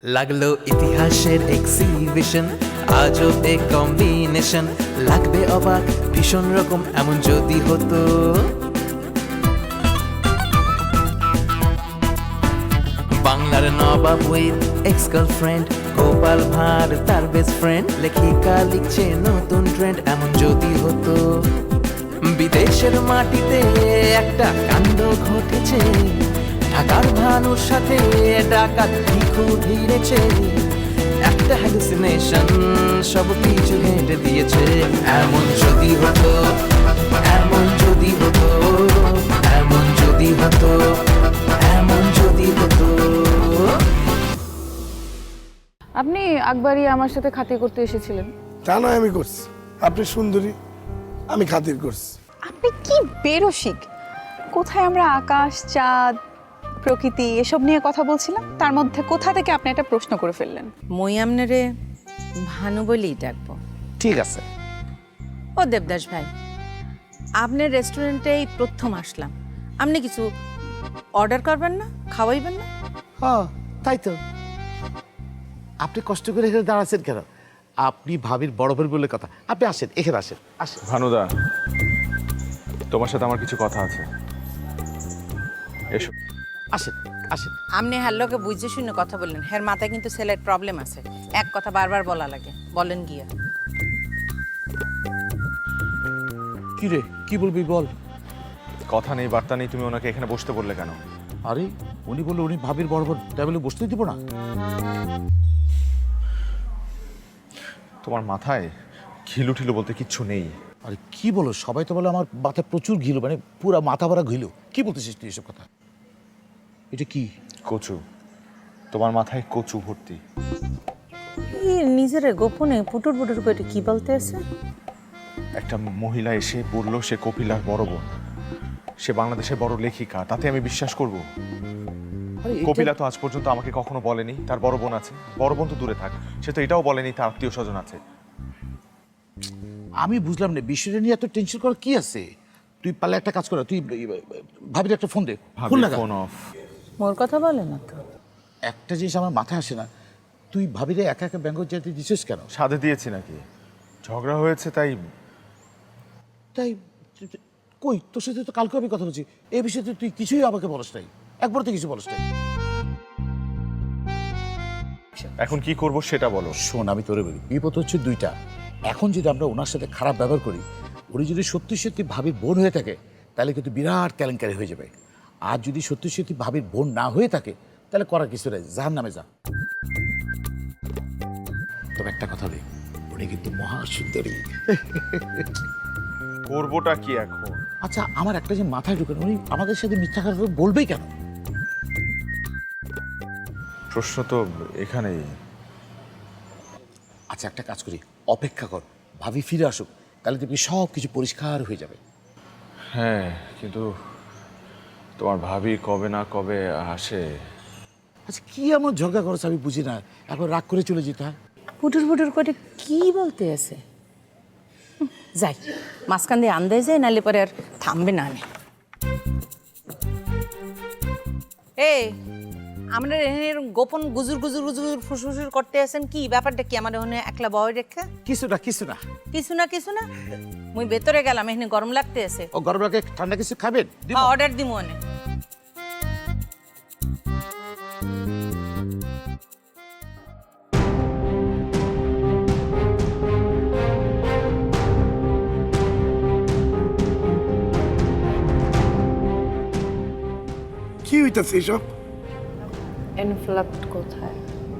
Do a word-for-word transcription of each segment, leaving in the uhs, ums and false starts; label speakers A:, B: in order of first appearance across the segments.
A: লাগলো ইতিহাসের এক্সিবিশন, আজও এ কম্বিনেশন, লাগবে অবাক ভীষণ রকম এমন যদি হতো। বাংলার নবাব উইথ এক্স গার্লফ্রেন্ড, গোপাল ভাঁড় তার বেস্ট ফ্রেন্ড, লেখিকা লিখছে নতুন ট্রেন্ড এমন যদি হতো। বিদেশের মাটিতে একটা কাণ্ড ঘটেছে, ঢাকার ভানুর সাথে ডাকাত ভিখু ভিড়েছে, একটা হ্যালুসিনেশন সব কিছু হেঁটে দিয়েছে। এমন যদি হতো, এমন যদি হতো, এমন যদি হতো, এমন যদি হতো।
B: আপনি আকবরই আমার সাথে খাতির করতে এসেছিলেন।
C: তা নয় আমি করছি, আপনি সুন্দরী, আমি খাতির করছি।
D: আপনি কি বেরসিক! কোথায় আমরা আকাশ, চাঁদ, প্রকৃতি এসব নিয়ে কথা বলছিলাম, তার মধ্যে কোথা থেকে আপনি একটা প্রশ্ন করে ফেললেন।
E: মই আমনেরে ভানু বলেই ডাকবো।
F: ঠিক আছে।
E: ও দেবদাস ভাই, আপনার রেস্টুরেন্টে এই প্রথম আসলাম, আপনি কিছু অর্ডার করবেন না, খাওয়াইবেন না?
F: হ্যাঁ তাই তো, আপনি কষ্ট করে এখানে দাঁড়াচ্ছেন কেন? আপনি ভাবির বড় ভাই বলে কথা, আপনি আসেন, এখানে আসেন, আসেন।
G: ভানুদা, তোমার সাথে আমার কিছু কথা আছে, এসো।
F: আসেন আসেন।
E: আপনি হ্যার লোকে বুঝে শুনে কথা বললেন, হের মাথায় কিন্তু ছেলের প্রবলেম আছে, এক কথা বারবার বলা লাগে, বলেন গিয়া।
F: কি রে, কি বলবি বল।
G: কথা নেই বার্তা নেই, তুমি ওনাকে এখানে বসতে বললে কেন?
F: আরে উনি বললো উনি ভাবির বড় বোন, টেবিলে বসতে দিব না।
G: তোমার মাথায় ঘিলু ঠিলু বলতে কিচ্ছু নেই।
F: আরে কি বলো, সবাই তো বলে আমার মাথায় প্রচুর ঘিলো, মানে পুরা মাথা ভরা ঘিলো। কি বলতেছিস তুই এসব কথা? এটা কি?
G: কচু, তোমার মাথায় কচু ভর্তি।
E: নিজের গোপনে পুটুর পুটুর করে কি বলতে আছে?
G: একটা মহিলা এসে বললো সে কপিলার বড় বোন, সে বাংলাদেশের বড় লেখিকা, তাতে আমি বিশ্বাস করব? কপিলা তো আজ পর্যন্ত আমাকে কখনো বলেনি তার বড় বোন আছে। বড় বোন তো দূরে থাক, সে তো এটাও বলেনি তার আত্মীয় স্বজন আছে।
F: আমি বুঝলাম না, বিষয়টা নিয়ে এত টেনশন করার কি আছে? তুই পারলে একটা কাজ কর, তুই ভাবির একটা ফোন দে। ফোন লাগা।
G: Phone off.
E: মোর কথা বলে না তো।
F: একটা জিনিস আমার মাথায় আসে না, তুই ভাবিরে একা একা ব্যাঙ্গল যেতে দিছিস কেন?
G: সাধে দিয়েছি নাকি? ঝগড়া হয়েছে তাই।
F: তাই কই, তোর সাথে তো কালকে আমি কথা বলছি এই বিষয়ে, তুই কিছুই আমাকে বলস নাই, একবার তো কিছু বলস নাই।
G: এখন কি করব সেটা বলো।
F: শোন, আমি তোরে বলি, বিপদ হচ্ছে দুইটা। এখন যদি আমরা ওনার সাথে খারাপ ব্যবহার করি, উনি যদি সত্যি সত্যি ভাবির বোন হয়ে থাকে, তাহলে কিন্তু বিরাট কেলেঙ্কারি হয়ে যাবে। আর যদি সত্যি সত্যি ভাবির বোন না হয়ে থাকে, তাহলে করার কিছু নেই, জাহান নামে যা। তবে একটা কথা বলি, উনি কিন্তু মহা সুন্দরী।
G: করবোটা কি এখন?
F: আচ্ছা, আমার একটা যে মাথায় ঢুকে, উনি আমাদের সাথে মিথ্যা কথা বলবেই কেন?
G: প্রশ্ন তো এখানেই।
F: আচ্ছা একটা কাজ করি, অপেক্ষা কর, ভাবি ফিরে আসুক, তাহলে দেখবি সব কিছু পরিষ্কার হয়ে যাবে।
G: হ্যাঁ, কিন্তু তোমার ভাবি কবে না কবে আসে।
F: আচ্ছা কি এমন ঝগড়া করছ আমি বুঝি না, এখন রাগ করে চলে যেতে হয়।
E: পুটুর পুটুর করে কি বলতে আছে? যাই মাঝখান দিয়ে আন্দাজ যায়, নালে পরে আর থামবে না। আমি এই আমরা গোপন গুজুর গুজুর গুজুর ফুসফুসুর করতে আছেন, কি ব্যাপারটা কি? আমার ওখানে একলা বয় রেখা
F: কিছু না কিছু না
E: কিছু না কিছু না মুই ভেতরে গেলাম, এখানে গরম লাগতে আছে।
F: ও গরম লাগে, ঠান্ডা কিছু খাবেন?
E: অর্ডার দিমু অনেক।
C: কি হইতেছে এসব?
B: এনভেলপ কোথায়?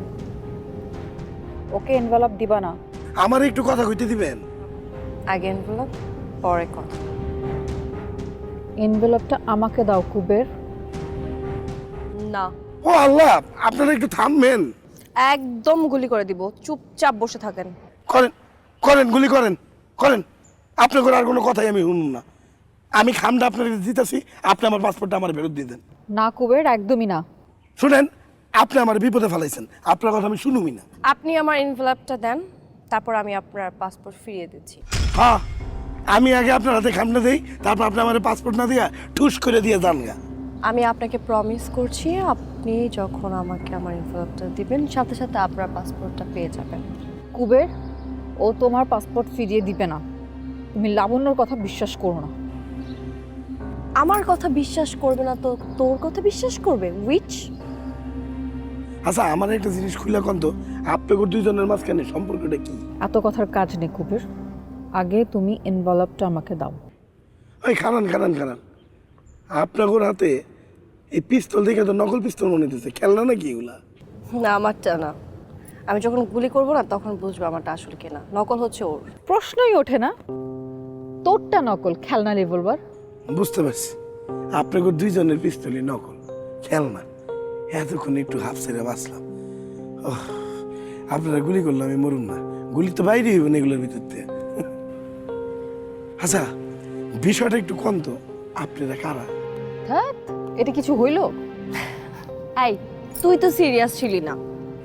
B: ওকে এনভেলপ দিবা না?
C: আমার একটু কথা কইতে দিবেন?
B: আগে এনভেলপ, পরে কথা। এনভেলপটা আমাকে দাও কুবের।
H: না,
C: ও আল্লাহ, আপনারা একটু থামবেন।
H: একদম গুলি করে দিব, চুপচাপ বসে থাকেন।
C: করেন করেন গুলি করেন করেন, আপনার আর কোনো কথাই আমি শুনুন না। আমি খামটা আপনার দিতেছি, আপনি আমার পাসপোর্টটা আমার ফেরত দিয়ে দেন।
B: না কুবের, একদমই না।
C: শুনেন, আপনি আমার বিপদে ফেলাইছেন, আপনার কথা আমি শুনুমি না।
H: আপনি আমার এনভেলপটা দেন, তারপর আমি আপনার পাসপোর্ট ফিরিয়ে দিচ্ছি।
C: হ্যাঁ, আমি আগে আপনার হাতে খামটা দেই, তারপর আপনি আমার পাসপোর্ট না দিয়া ঠুস করে দিয়ে যান গা।
H: আমি আপনাকে প্রমিস করছি আপনি যখন আমাকে আমার এনভেলপটা দিবেন সাথে সাথে আপনার পাসপোর্টটা পেয়ে যাবেন।
B: কুবের, ও তোমার পাসপোর্ট ফিরিয়ে দিবে না। তুমি লাবণ্যর কথা বিশ্বাস করো না।
H: আমার কথা বিশ্বাস করবে না তো তোর কথা বিশ্বাস করবে? উইচ?
C: আচ্ছা আমার একটা জিনিস খুলে কোন তো, আপনাদের দুইজনের মাঝখানে সম্পর্কটা কি?
B: এত কথার কাজ নেই কুবের, আগে তুমি এনভেলপটা আমাকে দাও।
C: ওই খানান খানান খানান আপনাদের হাতে এই পিস্তল দেখে তো নকল পিস্তল মনে হতেছে, খেলনা নাকি এগুলা?
H: না আমারটা না, আমি যখন গুলি করব না তখন বুঝবো আমারটা আসলে কিনা। নকল হচ্ছে ওর।
B: প্রশ্নই ওঠে না, তোরটা নকল খেলনা রিভলভার।
C: বুঝতে পারছি আপনাদের দুইজনের পিস্তলই নকল খেলনা। এতক্ষণ একটু হাফ ছেড়ে বাঁচলাম। ওহ, আপনারা গুলি করলে আমি মরুন না, গুলি তো বাইরে হইব না এগুলোর ভিতর থেকে। আচ্ছা বিষয়টা একটু কম তো, আপনারা কারা?
B: হ্যাঁ, এটা কিছু হইল?
H: এই তুই তো সিরিয়াস ছিলি না।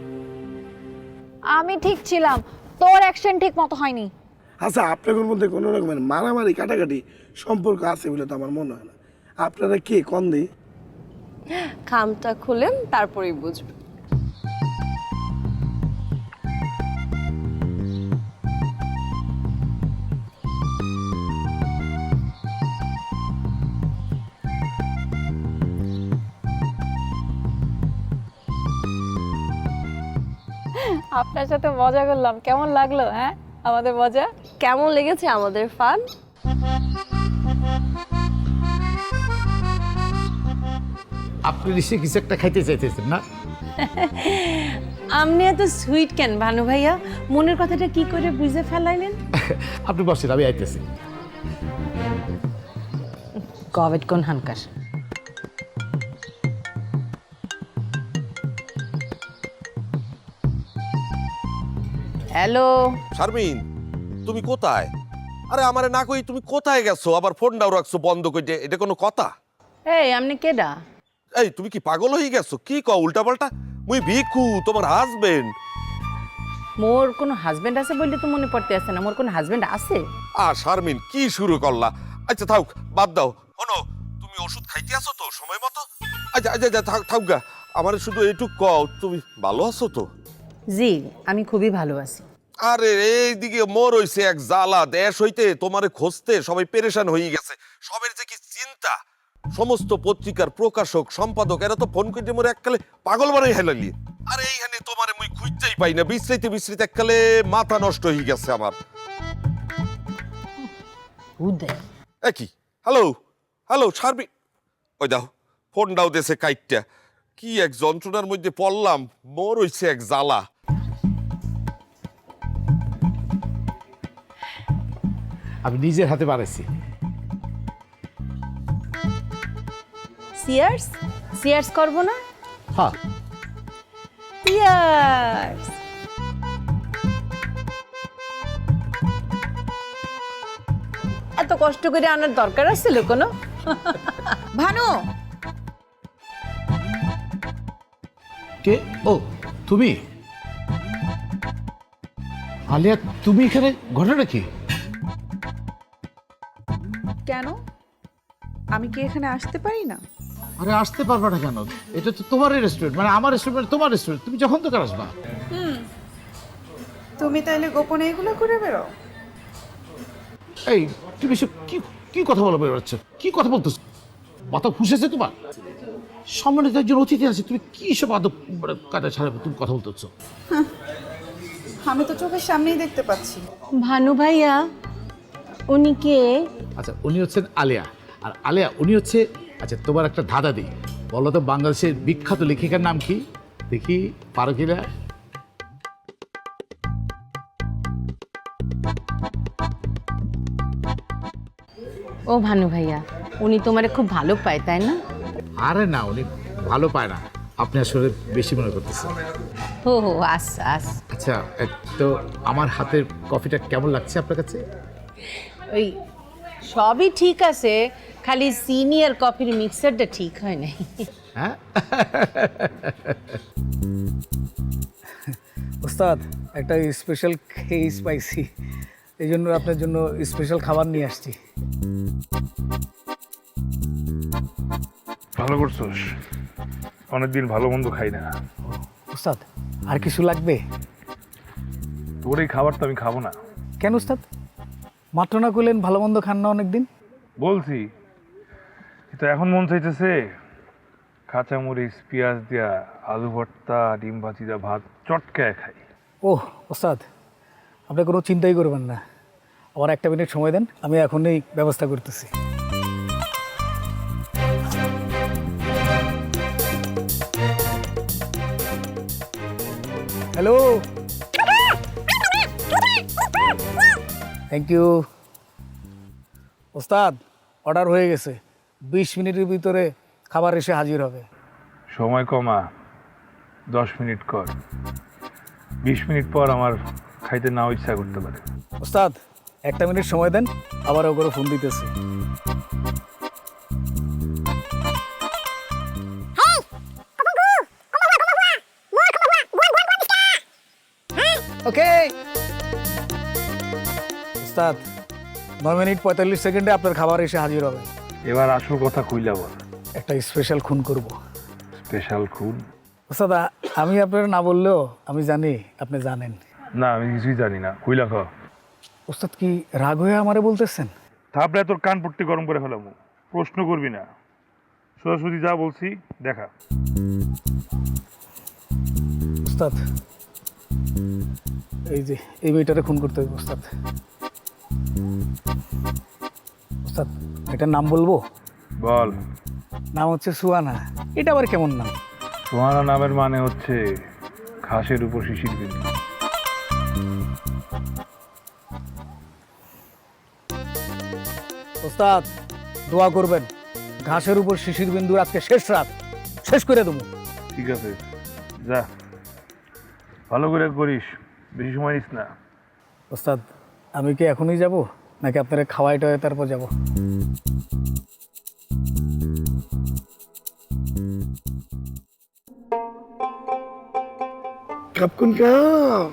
B: আমি ঠিক ছিলাম, তোর অ্যাকশন ঠিক মতো হয়নি।
C: আচ্ছা আপনাদের মধ্যে কোনো রকমের মারামারি কাটাকাটি সম্পর্ক আছে বলে তো আমার মনে হয় না। আপনারা কে কম দিই?
H: খামটা খুলেন তারপরেই বুঝবে।
B: আপনার সাথে মজা করলাম, কেমন লাগলো? হ্যাঁ আমাদের মজা
H: কেমন লেগেছে আমাদের ফান?
F: আপনি নিশ্চয়ই কিছু একটা খাইতে চাইতেছেন না?
E: আপনি এত সুইট কেন ভানু ভাইয়া? মনের কথাটা কি করে বুঝে ফেলাইলেন?
F: আপনি বসেন, আমি আইতেছি।
E: কোভিড কোন হানকার? হ্যালো
I: শারমিন, তুমি কোথায়? আরে আমারে না কই তুমি কোথায় গেছো? আবার ফোনটাও রাখছো বন্ধ করে, এটা কোনো কথা?
E: এই আপনি কেডা?
I: এই তুমি কি পাগল হয়ে গেছো? কি কও উল্টাপাল্টা? মুই ভিখু, তোমার হাজবেন্ড।
E: মোর কোনো হাজবেন্ড আছে বললে তো মনে পড়তে আছে না। মোর কোনো হাজবেন্ড আছে?
I: আ শারমিন কি শুরু করলা? আচ্ছা থাক, বাদ দাও। শোনো, তুমি ওষুধ খাইতে আছো তো সময় মতো? আচ্ছা আচ্ছা আচ্ছা থাক থাক গা। আমার শুধু এইটুক কও, তুমি ভালো আছো তো?
E: জি আমি খুবই ভালো আছি।
I: আরে এইদিকে মোর হইছে এক জ্বালা, দেশ হইতে তোমারে খুঁজতে সবাই পেরেশান হয়ে গেছে। সবের যে কি চিন্তা! সমস্ত পত্রিকার প্রকাশক সম্পাদক এরা তো ফোন করে মোর এককালে পাগল বানাই হেলালি। আর এইখানে তোমারে মুই খুঁজতেই পাই না, বিশ্রাইতে বিশ্রাইতে এককালে মাথা নষ্ট হয়ে গেছে আমার।
E: উদয়
I: একই হ্যালো হ্যালো শারমি, ওই দাও ফোন দাও দেশে কাইটটা। কি এক যন্ত্রণার মধ্যে পড়লাম, মোর হইছে এক জ্বালা।
F: আমি নিজের হাতে বানাইছি।
E: সিয়ার্স সিয়ার্স করব না?
F: হ্যাঁ,
E: সিয়ার্স। এত কষ্ট করে আনার দরকার আছিল কোনো? ভানু
F: কে? ও তুমি আলিয়া, তুমি এখানে? ঘটনা কি?
D: কেন, আমি কি এখানে আসতে পারি না?
F: আরে আসতে পারবে না কেন? এটা তো তোমারই রেস্টুরেন্ট, মানে আমার রেস্টুরেন্ট তোমার রেস্টুরেন্ট, তুমি যখন তখন আসবা।
D: তুমি তাইলে গোপনে এগুলো করে বেরো?
F: এই তুমি সব কি কি কথা বলা বেরোচ্ছ? কি কথা বলতেছ? মাথা ফুসেছে তোমার? সম্মানিত একজন অতিথি আছে, তুমি কি সব আদব কাদা ছাড়া তুমি কথা বলতেছ?
D: আমি তো চোখের সামনেই দেখতে পাচ্ছি।
E: ভানু ভাইয়া উনি কে?
F: আচ্ছা উনি হচ্ছেন আলিয়া, আর আলিয়া উনি হচ্ছে, আচ্ছা তোমার একটা ধাঁধা দিই, বলো তো বাংলাদেশের বিখ্যাত লেখিকার নাম কি? দেখি পারো কিনা।
E: ও ভানু ভাইয়া, উনি তোমারে খুব ভালো পায় তাই না?
F: আরে না, উনি ভালো পায় না, আপনি আসলে বেশি মনে করতেছেন।
E: ও হো আচ্ছা আচ্ছা।
F: আচ্ছা এ, তো আমার হাতের কফিটা কেমন লাগছে আপনার কাছে?
E: ওই সবই ঠিক আছে, খালি চিনি আর কফির মিক্সারটা ঠিক হয় নাই।
F: হ্যাঁ
J: ওস্তাদ, একটা স্পেশাল খেয়ে পাইছি, এই জন্য আপনার জন্য স্পেশাল খাবার নিয়ে আসছি।
K: ভালো করছোস, অনেকদিন ভালো মন্দ খাই না।
J: ওস্তাদ আর কিছু লাগবে?
K: তোর এই খাবার তো আমি খাবো না।
J: কেন ওস্তাদ? মাত্র না করলেন ভালো মন্দ খান না অনেকদিন।
K: বলছি তো এখন মন চাইতেছে কাঁচামরিচ পেঁয়াজ দিয়া আলু ভর্তা ডিম ভাজি দিয়া ভাত চটকায় খাই।
J: ওহ ওস্তাদ, আপনি কোনো চিন্তাই করবেন না, আমার একটা মিনিট সময় দেন, আমি এখনই ব্যবস্থা করতেছি। হ্যালো, থ্যাংক ইউ ওস্তাদ, অর্ডার হয়ে গেছে, বিশ মিনিটের ভিতরে খাবার এসে হাজির হবে।
K: সময় কমা, দশ মিনিট কর, বিশ মিনিট পর আমার খাইতে নাও ইচ্ছা করতে পারে।
J: ওস্তাদ একটা মিনিট সময় দেন, আবার ও করে ফোন দিতেছি। ওকে ওস্তাদ, নয় মিনিট পঁয়তাল্লিশ সেকেন্ডে আপনার খাবার এসে হাজির হবে।
K: এবার আসল কথা কইলা বল।
J: একটা স্পেশাল খুন করব।
K: স্পেশাল খুন?
J: ওস্তাদ আমি আপনার না বললেও আমি জানি আপনি জানেন।
K: না আমি কিছুই জানি না, কইলা খ।
J: ওস্তাদ কি রাগ হয়ে আমারে বলতেছেন?
K: তারপরে তোর কান পট্টি গরম করে ফেলামু, প্রশ্ন করবি না, সোজাসুজি যা বলছি দেখা।
J: ওস্তাদ এই যে এই মেয়েটারে খুন করতে হবে ওস্তাদ। ওস্তাদ এটার নাম বলবো?
K: বল।
J: নাম হচ্ছে সুয়ানা। এটা আবার কেমন নাম?
K: সোহানা নামের মানে হচ্ছে ঘাসের উপর শিশির বিন্দু।
J: ওস্তাদ দোয়া করবেন, ঘাসের উপর শিশির বিন্দুর আজকে শেষ রাত, শেষ করে দেবো।
K: ঠিক আছে যা, ভালো করে করিস, বেশি সময় নিস না।
J: ওস্তাদ আমি কি এখনই যাব নাকি আপনারা খাওয়াই টাওয়াই তারপর যাব?
C: কাপ কোন কাপ?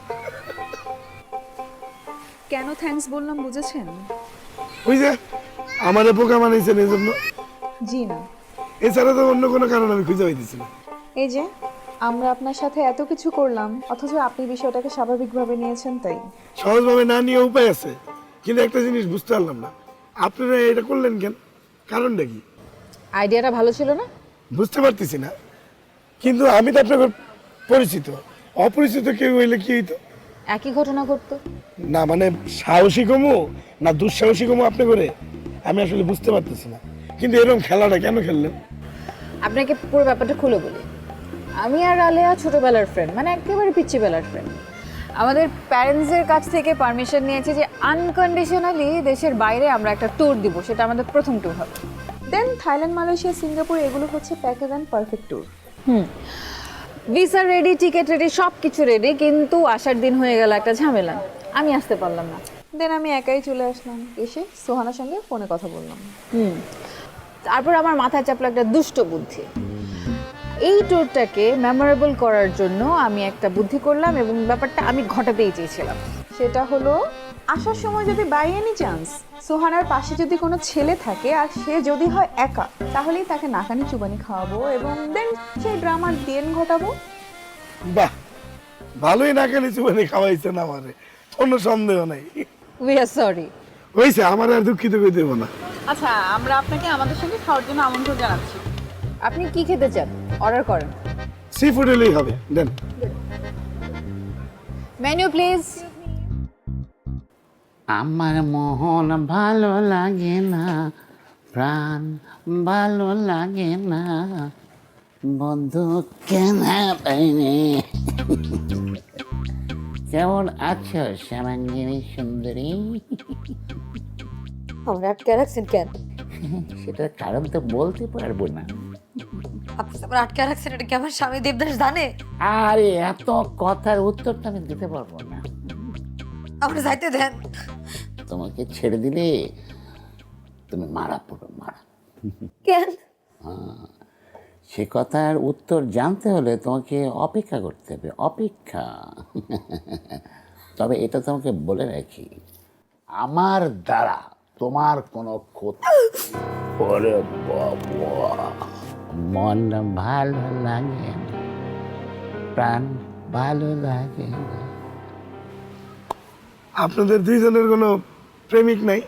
B: কেন থ্যাঙ্কস বললাম বুঝেছেন?
C: ওই যে আমাদের পোকা বানাইছেন এই জন্য।
B: জি না,
C: এছাড়া তো অন্য কোনো কারণ আমি খুঁজে পাইতেছি না।
L: এই যে আমরা আপনার সাথে এত কিছু করলাম অথচ আপনি বিষয়টাকে স্বাভাবিকভাবে নিয়েছেন, তাই
C: সহজভাবে না নিয়ে উপায় আছে, কিন্তু একটা জিনিস বুঝতে পারলাম না, আপনারা এটা করলেন কেন? কারণটা কি?
B: আইডিয়াটা ভালো ছিল না?
C: বুঝতে পারতেছি না, কিন্তু আমি তো আপনাকে পরিচিত, অপরিচিত কেউ হইলে কি হইতো?
B: একই ঘটনা ঘটতো।
C: না মানে সাহসী কমু না দুঃসাহসী কমু আপনি করে আমি আসলে বুঝতে পারতেছি না, কিন্তু এরকম খেলাটা কেন খেললেন?
B: আপনাকে পুরো ব্যাপারটা খুলে বলি। আমি আর আলেয়া ছোটবেলার ফ্রেন্ড, মানে একেবারে পিচ্চিবেলার ফ্রেন্ড। আমাদের প্যারেন্টসের কাছ থেকে পারমিশন নিয়েছি যে আনকন্ডিশনালি দেশের বাইরে আমরা একটা ট্যুর দিব, সেটা আমাদের প্রথম ট্যুর হবে।
L: দেন থাইল্যান্ড, মালয়েশিয়া, সিঙ্গাপুর এগুলো হচ্ছে প্যাকেজ অ্যান্ড পারফেক্ট ট্যুর।
B: হুম, ভিসা রেডি, টিকিট রেডি, সব কিছু রেডি, কিন্তু আসার দিন হয়ে গেল একটা ঝামেলা, আমি আসতে পারলাম না।
L: দেন আমি একাই চলে আসলাম, এসে সোহানার সঙ্গে ফোনে কথা বললাম।
B: হুম, তারপর আমার মাথায় চাপলো একটা দুষ্ট বুদ্ধি। এই ট্যুরটাকে মেমোরেবল করার জন্য আমি একটা বুদ্ধি করলাম এবং ব্যাপারটা আমি ঘটাতেই চেয়েছিলাম।
L: সেটা হলো আসার সময় যদি বাই এনি চান্স সোহানার পাশে যদি কোনো ছেলে থাকে আর সে যদি হয় একা, তাহলেই তাকে নাকানি চুবানি খাওয়াবো এবং দেন সেই ড্রামার দেন ঘটাবো।
C: বাহ, ভালোই না খেলে চুবানি খাওয়াইছেন আমারে, কোনো সন্দেহ নাই।
B: We are sorry.
C: হয়েছে, আমার আর দুঃখিত করে দেবো না।
D: আচ্ছা, আমরা আপনাকে আমাদের সঙ্গে খাওয়ার জন্য আমন্ত্রণ জানাচ্ছি।
B: আপনি কি খেতে চান অর্ডার করেন।
C: সি ফুড এলেই হবে, দেন।
B: Menu please.
M: আমার মন ভালো লাগে না, প্রাণ ভালো লাগে না, বন্ধু কেন পাইনি। কেমন আছো শ্যামাঙ্গিনী সুন্দরী?
H: আমরা আটকে রাখছেন কেন?
M: সেটার কারণ তো বলতে পারবো না।
H: আপনি আমার আটকে রাখছেন, এটা কি আমার স্বামী দেবদাস জানে?
M: আরে এত কথার উত্তর তো আমি দিতে পারবো না।
H: আমরা যাইতে দেন।
M: তোমাকে ছেড়ে দিলে তুমি মারা পড়ো, মারা।
H: কেন?
M: সে কথার উত্তর জানতে হলে তোমাকে অপেক্ষা করতে হবে, অপেক্ষা। তবে এটা তোমাকে বলে রাখি, আমার দ্বারা তোমার কোনো ক্ষতি। ওরে বাবা, মনটা ভালো লাগে না, প্রাণ ভালো লাগে না।
C: আপনাদের দুইজনের কোনো প্রেমিক নাই?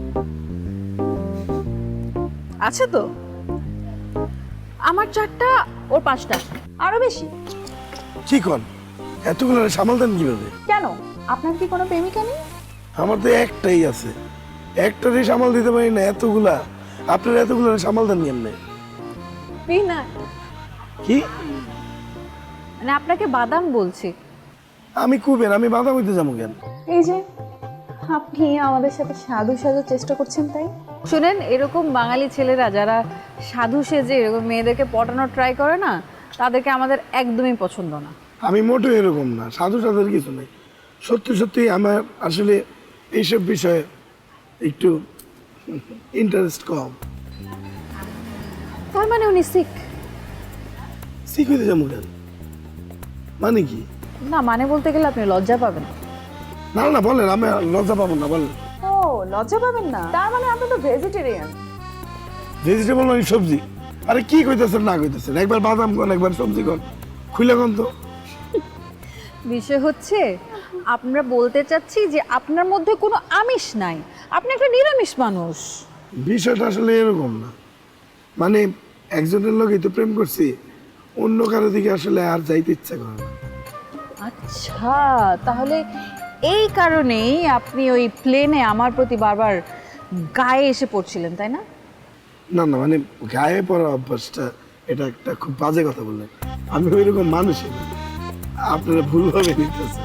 L: আছে তো, আমার চারটা, ওর পাঁচটা, আরো বেশি।
C: কি কন, এতগুলো সামাল দেন কিভাবে?
L: কেন, আপনার কি কোনো প্রেমিকা নেই?
C: আমার তো একটাই আছে, একটারই সামাল দিতে পারি না, এতগুলা আপনারা এতগুলো সামাল দেন কেমনে?
B: না
C: কি
B: মানে আপনাকে বাদাম বলছি।
C: আমি কুবের, আমি বাধা হইতে যাবো কেন?
L: এই যে আপনি আমাদের সাথে সাধু সাজুর চেষ্টা করছেন, তাই?
B: শুনেন, এরকম বাঙালি ছেলেরা যারা সাধু সেজে এরকম মেয়েদেরকে পটানোর ট্রাই করে না, তাদেরকে আমাদের একদমই পছন্দ না।
C: আমি মোটেও এরকম না, সাধু সাধুর কিছু নেই। সত্যি সত্যি আমার আসলে এইসব বিষয়ে একটু ইন্টারেস্ট কম।
B: তার মানে উনি শিখ?
C: শিখ হইতে যাবো কেন, মানে কি?
B: না মানে বলতে গেলে আপনি লজ্জা পাবেন।
C: না না বলেন, আমি লজ্জা পাবো না, বলেন।
L: ও, লজ্জা পাবেন না, তার মানে আপনি তো ভেজিটেরিয়ান।
C: ভেজিটেবল মানে সবজি? আরে কি কইতেছেন না কইতেছেন, একবার বাদাম কোন একবার সবজি কোন, খুলে কোন তো।
B: বিষয় হচ্ছে আমরা বলতে চাচ্ছি যে আপনার মধ্যে কোনো আমিষ নাই, আপনি একটা নিরামিষ মানুষ।
C: বিষয়টা আসলে এরকম না, মানে একজনের লোকই তো প্রেম করছি, অন্য কারো দিকে আসলে আর যাইতে ইচ্ছা করে না।
B: আচ্ছা, তাহলে এই কারণেই আপনি ওই প্লেনে আমার প্রতি বারবার গায়ে এসে পড়ছিলেন, তাই না?
C: না না মানে গায়ে পড়া অভ্যাসটা, এটা একটা খুব বাজে কথা বললেন। আমি ওইরকম মানুষই না, আপনারা ভুলভাবে নিতেছেন।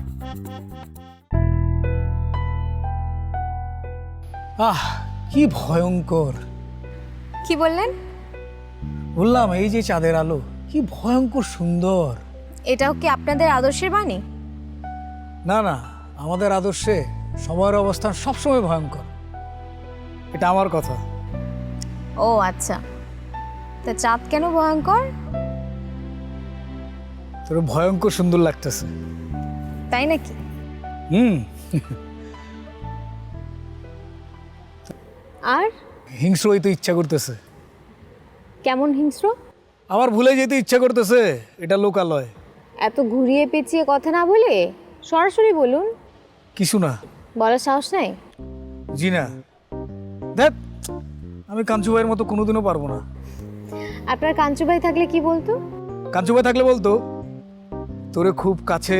J: আহ কি ভয়ঙ্কর!
H: কি বললেন?
J: বললাম এই যে চাঁদের আলো, কি ভয়ঙ্কর সুন্দর।
H: এটাও কি আপনাদের আদর্শের বাণী?
J: না না, আমাদের আদর্শে সময়ের অবস্থান সবসময় ভয়ঙ্কর, এটা আমার কথা।
H: ও আচ্ছা, তা চাঁদ কেন ভয়ঙ্কর?
J: তোর ভয়ঙ্কর সুন্দর লাগতেছে।
H: তাই নাকি?
J: হুম।
H: আর
J: হিংস্র হইতে ইচ্ছা করতেছে।
H: কেমন হিংস্র?
J: আমার ভুলে যেতে ইচ্ছা করতেছে, এটা লোকালয়।
H: এত ঘুরিয়ে পেঁচিয়ে কথা না বলে সরাসরি বলুন।
J: কিছু না।
H: বলার সাহস নাই?
J: জি না। দেখ, আমি কাঞ্চু ভাইয়ের মতো কোনোদিনও পারবো না।
H: আপনার কাঞ্চু ভাই থাকলে কি বলতো?
J: কাঞ্চু ভাই থাকলে বলতো তোরে খুব কাছে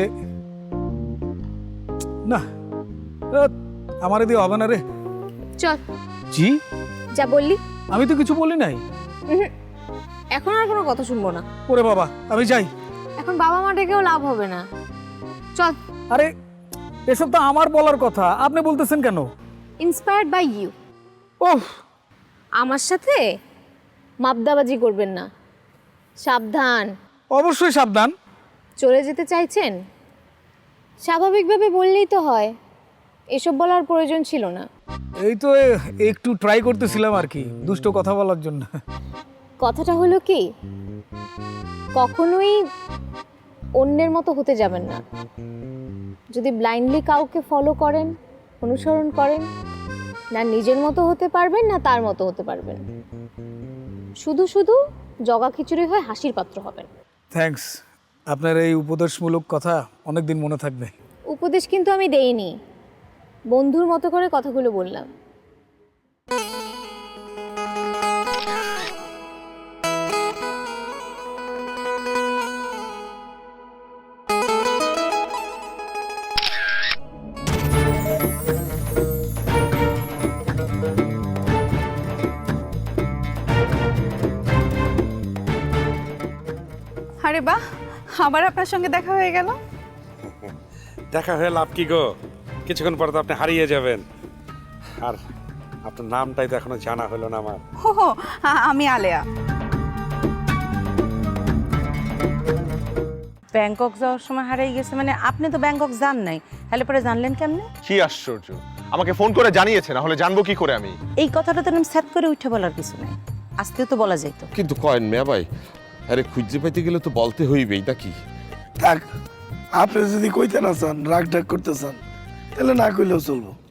J: না, আমার দিয়ে হবে না রে।
H: চল।
J: জি?
H: যা বললি।
J: আমি তো কিছু বলি নাই।
H: এখন আর কোনো কথা শুনবো না।
J: ওরে বাবা, আমি যাই।
H: এখন বাবা মা ডেকেও লাভ হবে না, চল।
J: আরে এসব তো আমার বলার কথা, আপনি বলতেছেন কেন?
H: Inspired by you.
J: ওহ,
H: আমার সাথে মাপদাবাজি করবেন না, সাবধান।
J: অবশ্যই সাবধান।
H: চলে যেতে চাইছেন? স্বাভাবিকভাবে বললেই তো হয়, এসব বলার প্রয়োজন ছিল না।
J: এই তো একটু ট্রাই করতেছিলাম আর কি, দুষ্ট কথা বলার জন্য।
H: কথাটা হলো কি, কখনোই অন্যের মতো হতে যাবেন না। যদি ব্লাইন্ডলি কাউকে ফলো করেন, অনুসরণ করেন, না নিজের মতো হতে পারবেন না তার মতো হতে পারবেন। শুধু শুধু জগা খিচুড়ি হয়ে হাসির পাত্র হবেন।
J: থ্যাঙ্কস, আপনার এই উপদেশমূলক কথা অনেকদিন মনে থাকবে।
H: উপদেশ কিন্তু আমি দেইনি, বন্ধুর মতো করে কথাগুলো বললাম।
D: আরে বাহ, আবার আপনার সঙ্গে দেখা হয়ে গেল।
N: দেখা হয়ে লাভ কি গো, কিছুক্ষণ পরে তো আপনি হারিয়ে যাবেন। আর আপনার নামটাই তো এখনো জানা হলো না আমার।
D: হো হো, আমি আলেয়া।
E: ব্যাংকক যাওয়ার সময় হারিয়ে গেছে মানে? আপনি তো ব্যাংকক যান নাই, তাহলে পরে জানলেন কেমনে?
G: কি আশ্চর্য, আমাকে ফোন করে জানিয়েছে, না হলে জানবো কি করে আমি?
E: এই কথাটা তো আমি সেট করে উঠে বলার কিছু নাই, আজকেও তো বলা যাইতো।
I: কিন্তু কয়েন মেয়া ভাই, আরে খুঁজে পাইতে গেলে তো বলতে হইবেই নাকি?
C: থাক, আপনি যদি কইতে না চান, রাগ ঢাক করতে চান, তাহলে না কইলেও চলবো।